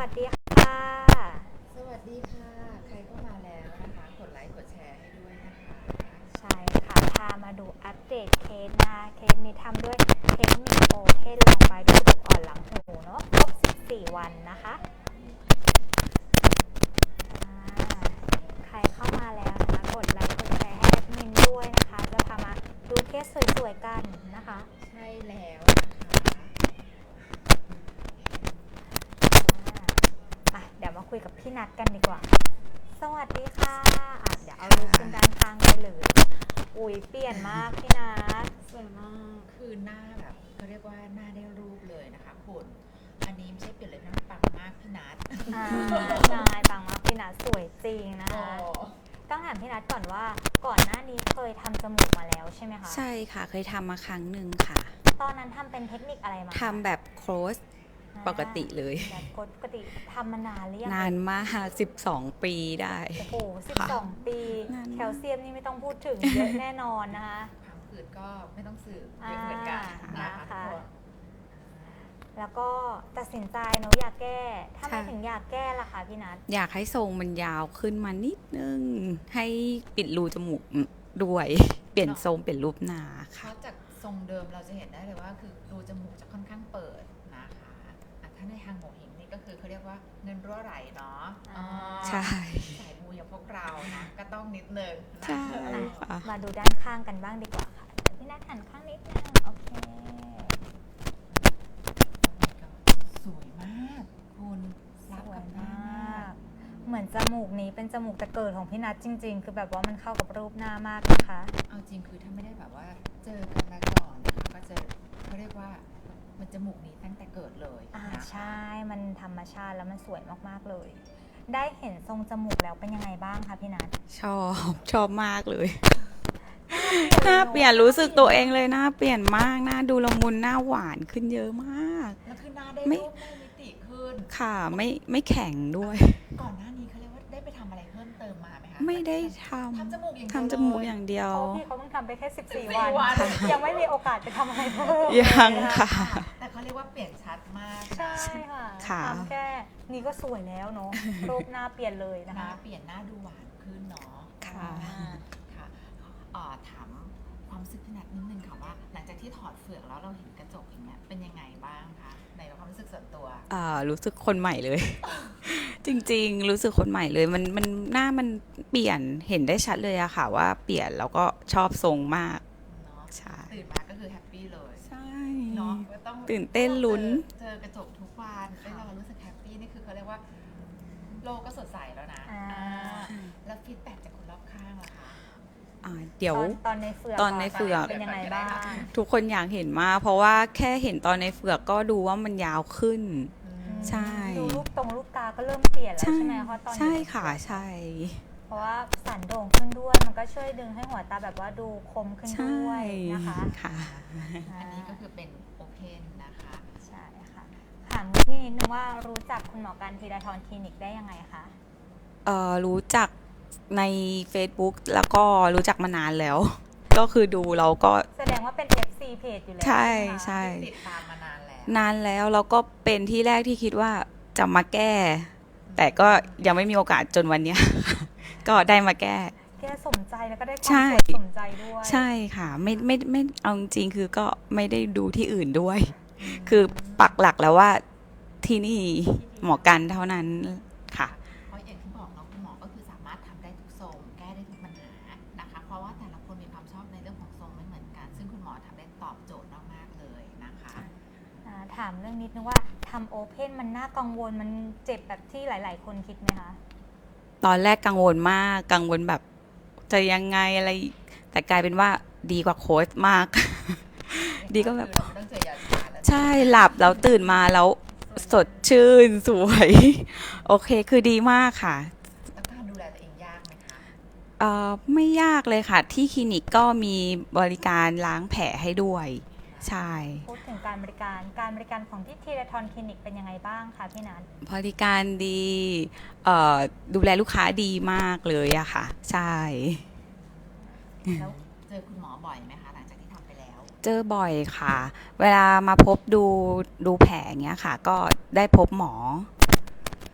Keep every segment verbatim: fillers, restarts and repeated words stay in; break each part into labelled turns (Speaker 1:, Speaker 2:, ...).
Speaker 1: สดีค่ะ
Speaker 2: สวัสดีค่ะ ใครเข้ามาแล้วนะคะ กดไลค์กดแชร์ให้ด้วยนะคะ
Speaker 1: ใช่ค่ะพามาดูอัปเดตเคสนะเคสนี้ทำด้วยเทคนิคโอเพนลงไปด้วยกระดูกอ่อนหลังหูเนาะครบสิบสี่วันนะคะอ่าใครเข้ามาแล้วนะคะกดไลค์กดแชร์ให้แอดมินด้วยนะคะจะพามาดูเคสสวยๆกันนะคะ
Speaker 2: ใช่แล้วนะคะ
Speaker 1: อ่าอ่ะเดี๋ยวมาคุยกับพี่นัทกันดีกว่าสวัสดีค่ะอ่ะเดี๋ยวเอาลูกขึ้นด้านข้างได้เลยอุ้ยเปลี่ยนมากพี่นัท
Speaker 2: สวยมากคือหน้าแบบเขาเรียกว่าหน้าได้รูปเลยนะคะคุณอันนี้ไม่ใช่เปลี่ยนเลยนะปังมากพี่นัท
Speaker 1: อ่าใช่ปังมากพี่นัทสวยจริงนะ
Speaker 2: โอ้
Speaker 1: คะต้องถามพี่นัทก่อนว่าก่อนหน้านี้เคยทำจมูกมาแล้วใช่ไหมคะ
Speaker 3: ใช่ค่ะเคยทำมาครั้งหนึ่งค่ะ
Speaker 1: ตอนนั้นทำเป็นเทคนิคอะไรมา
Speaker 3: ทำแบบโคลสปกติเลย
Speaker 1: แบบปกติทำมานานหรือยัง
Speaker 3: นานมากสิบสองปีได้
Speaker 1: โอ้โหสิบสองปีแคลเซียมนี่ไม่ต้องพูดถึงเยอะแน่นอนนะคะ
Speaker 2: ผังผืดก็ไม่ต้องสืบเยอะเหมือนกันนะคะทุกคน
Speaker 1: แล้วก็ตัดสินใจเนาะอยากแก้ถ้าไม่ถึงอยากแก้ล่ะคะพี่นัท
Speaker 3: อยากให้ทรงมันยาวขึ้นมานิดนึงให้ปิดรูจมูกด้วยเปลี่ยนทรงเปลี่ยนรูปหน้า
Speaker 2: เพ
Speaker 3: ค่ะ
Speaker 2: ราะจากทรงเดิมเราจะเห็นได้เลยว่าคือรูจมูกจะค่อนข้างเปิดนะคะอ่ะถ้าในทางโหงเหิงนี่ก็คือเขาเรียกว่าเงินรั่วไหลเนาะ
Speaker 3: ใช่
Speaker 2: สายมูอย่างพวกเรานะก็ต้องนิดนึงนะ
Speaker 3: ใช่ค่ะ
Speaker 1: มาดูด้านข้างกันบ้างดีกว่าค่ะพี่นัทหันข้างนิดนึงโอเค
Speaker 2: สวยมากคุณรับกับหน้ามาก
Speaker 1: เหมือนจมูกนี้เป็นจมูกแต่เกิดของพี่นัทจริงๆคือแบบว่ามันเข้ากับรูปหน้ามากนะคะ
Speaker 2: เอาจริงคือถ้าไม่ได้แบบว่าเจอกันมาก่อนนะคะก็จะเขาเรียกว่ามันจมูกนี้ตั้งแต่เกิดเลย
Speaker 1: อ่า
Speaker 2: นะคะ
Speaker 1: ใช่มันธรรมชาติแล้วมันสวยมากๆเลยได้เห็นทรงจมูกแล้วเป็นยังไงบ้างคะพี่นัท
Speaker 3: ชอบชอบมากเลยหน้าเปลี่ยนรู้สึกตัวเองเลยหน้าเปลี่ยนมากหน้าดูละมุนหน้าหวานขึ้นเยอะมาก
Speaker 2: แล้วคือหน้าได้รูปได้มิติขึ้น
Speaker 3: ค่ะไม่ไม่แข็งด้วย
Speaker 2: ก่อนหน้านี้เขาเรียกว่าได้ไปทำอะไรเพิ่มเติมมาไหมคะ
Speaker 3: ไม่ได้ท
Speaker 2: ทำจมูกอย่าง
Speaker 3: ำ
Speaker 2: เดียว
Speaker 3: ทำจมูกอย่างเดียว
Speaker 1: เพราะพี่เขาเพิ่งทำไปแค่สิบสี่วันยังไม่มีโอกาสไปทำอะไรเพิ่ม
Speaker 3: ยังค่ะ
Speaker 2: แต่เขาเรียกว่าเปลี่ยนชัดมาก
Speaker 1: ใช่ค่ะทำแค่นี้ก็สวยแล้วเนาะรูปหน้าเปลี่ยนเลยนะ
Speaker 2: หน้า
Speaker 1: คะ
Speaker 2: เปลี่ยนหน้าดูหวานขึ้นเนาะ
Speaker 3: ค่ะ
Speaker 2: ค่ะถามความรู้สึกพี่นัทนิดนึงค่ะว่าหลังจากที่ถอดเฟือกแล้วเราเห็นกระจกอย่างเงี้ยเป็นยังไงบ้างคะในความรู้สึกส่วนตัว
Speaker 3: อ่ารู้สึกคนใหม่เลย จริงๆรู้สึกคนใหม่เลยมันมันหน้ามันเปลี่ยนเห็นได้ชัดเลยอะค่ะว่าเปลี่ยนแล้วก็ชอบทรงมาก
Speaker 2: เนาะ
Speaker 3: ใช่
Speaker 2: ตื่นมาก็คือแฮปปี้เลย
Speaker 3: ใช่
Speaker 2: เนาะต้อง
Speaker 3: ตื่นเต้นลุ้น
Speaker 2: เจอกระจกทุกวันแล้วเรารู้สึกแฮปปี้นี่คือเขาเรียกว่าโลกก็สดใสแล้วนะแล้วฟีดแบ็กจากคนรอบข้างล่ะคะ
Speaker 3: เดี๋ยว
Speaker 1: ตอนในเฟือก
Speaker 3: ตอนในเฟือก
Speaker 1: เป็นยังไงบ้าง
Speaker 3: ทุกคนอยากเห็นมากเพราะว่าแค่เห็นตอนในเฟือกก็ดูว่ามันยาวขึ้นใช่
Speaker 1: ดูลูกตรงลูกตาก็เริ่มเปลี่ยนแล้วใช่ไหมเพราะตอน
Speaker 3: ใช่ค่ะใช่
Speaker 1: เพราะว่าสันโด่งขึ้นด้วยมันก็ช่วยดึงให้หัวตาแบบว่าดูคมขึ้นด้วยนะคะ
Speaker 3: ค่ะ
Speaker 2: อันนี้ก็คือเป็นโอเพนนะคะ
Speaker 1: ใช่ค่ะถามพี่นิดนึงว่ารู้จักคุณหมอการธีรทรคลินิกได้ยังไงคะ
Speaker 3: เอ่อรู้จักใน Facebook แล้วก็รู้จักมานานแล้วก็คือดูเราก็
Speaker 1: แสดงว่าเป็น เอฟ ซี เพจอยู่แล้ว
Speaker 3: ใช่ใช่
Speaker 2: ติดตามมานานแล้ว
Speaker 3: นานแล้วแล้วก็เป็นที่แรกที่คิดว่าจะมาแก้แต่ก็ยังไม่มีโอกาสจนวันนี้ก็ได้มาแก้
Speaker 1: แก้สมใจแล้วก็ได้ความสวยสมใจด้วย
Speaker 3: ใช่ค่ะไม่ไม่ไม่เอาจริงคือก็ไม่ได้ดูที่อื่นด้วยคือปักหลักแล้วว่าที่นี่หมอกันเท่านั้นค่ะ
Speaker 2: เพราะอย่างที่บอกเนาะคุณหมอก็คือสามารถทำได้ทุกทรงแก้ได้ทุกปัญหานะคะเพราะว่าแต่ละคนมีความชอบในเรื่องของทรงไม่เหมือนกันซึ่งคุณหมอทำได้ตอบโจทย์มากๆเลยนะคะ
Speaker 1: ถามเรื่องนิดนึงว่าทำโอเพนมันน่ากังวลมันเจ็บแบบที่หลายๆคนคิดไหมคะ
Speaker 3: ตอนแรกกังวลมากกังวลแบบจะยังไงอะไรแต่กลายเป็นว่าดีกว่าโค้ชมากดีก็แบบใช่หลับแล้วตื่นมาแล้วสดชื่นสวยโอเคคือดีมากค่ะ
Speaker 2: แล้วการดูแลตัวเองยากไหมคะ
Speaker 3: เอ่อไม่ยากเลยค่ะที่คลินิกก็มีบริการล้างแผลให้ด้วยใช่
Speaker 1: พูดถึงการบริการการบริการของที่ธีรทรคลินิกเป็นยังไงบ้างคะพี่นัท
Speaker 3: บริการดีดูแลลูกค้าดีมากเลยอะค่ะใช่
Speaker 2: แล้วเจอคุณหมอบ่อยไหมคะหลังจากที่ทำไปแล้ว
Speaker 3: เจอบ่อยค่ะเวลามาพบดูดูแผลอย่างเงี้ยค่ะก็ได้พบหมอ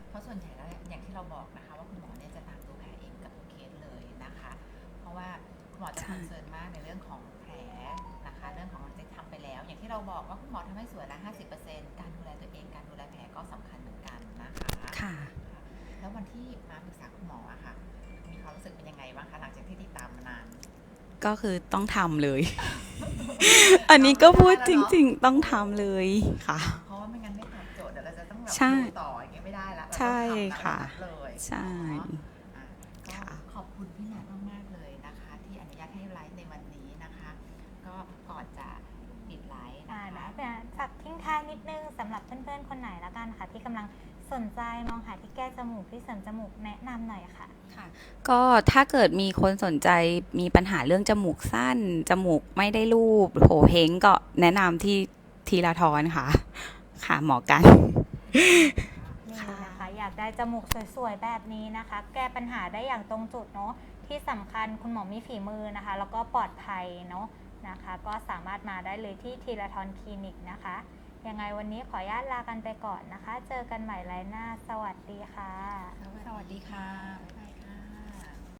Speaker 2: จะคอนเซิร์นมากในเรื่องของแผลนะคะเรื่องของที่ทำไปแล้วอย่างที่เราบอกว่าคุณหมอทำให้สวยละ ห้าสิบเปอร์เซ็นต์ การดูแลตัวเองการดูแลแผลก็สำคัญเหมือนกันนะคะ
Speaker 3: ค่ะ
Speaker 2: แล้ววันที่มาปรึกษาคุณหมออะค่ะมีความรู้สึกเป็นยังไงบ้างคะหลังจากที่ติดตามมานาน
Speaker 3: ก็คือต้องทำเลย อันนี้ก็พูดจริง ๆ ต้องทำเลยค่ะ
Speaker 2: เพราะว่าไม่งั้นไม่ตอบโจทย์เดี๋ยวเราจะต้องแบบ
Speaker 3: ใช่
Speaker 2: ดูต่ออย่างเงี้ยไม่ได้ละเราต้อง
Speaker 3: ใช่
Speaker 2: ทำ
Speaker 3: ค่ะ
Speaker 2: เลย
Speaker 3: ใช่
Speaker 2: อ่ะก็ขอบคุณพี่นัทมากๆเลยนะคะ ที่อนุญาตให้ไลฟ์ในวันนี้นะคะ ก็ก่อนจะปิดไลฟ์
Speaker 1: อ่า
Speaker 2: นะ
Speaker 1: นะคะ แต่ฝากทิ้งท้ายนิดนึงสำหรับเพื่อนๆคนไหนละกันค่ะที่กำลังสนใจมองหาที่แก้จมูกที่เสริมจมูกแนะนำหน่อยค่ะ
Speaker 3: ก็ถ้าเกิดมีคนสนใจมีปัญหาเรื่องจมูกสั้น จมูกไม่ได้รูปโผเพ้งก็แนะนำที่ทีละทอนค่ะ ค่ะหมอกัน
Speaker 1: นี่นะคะอยากได้จมูกสวยๆแบบนี้นะคะ แก้ปัญหาได้อย่างตรงจุดเนาะที่สำคัญคุณหมอมีฝีมือนะคะ แล้วก็ปลอดภัยเนาะนะคะ ก็สามารถมาได้เลยที่ทีละทอนคลินิกนะคะยังไงวันนี้ขออนุญาตลากันไปก่อนนะคะ เจอกันใหม่ไลน์หน้าสวัสดีค่ะ
Speaker 3: สวัสดีค่ะ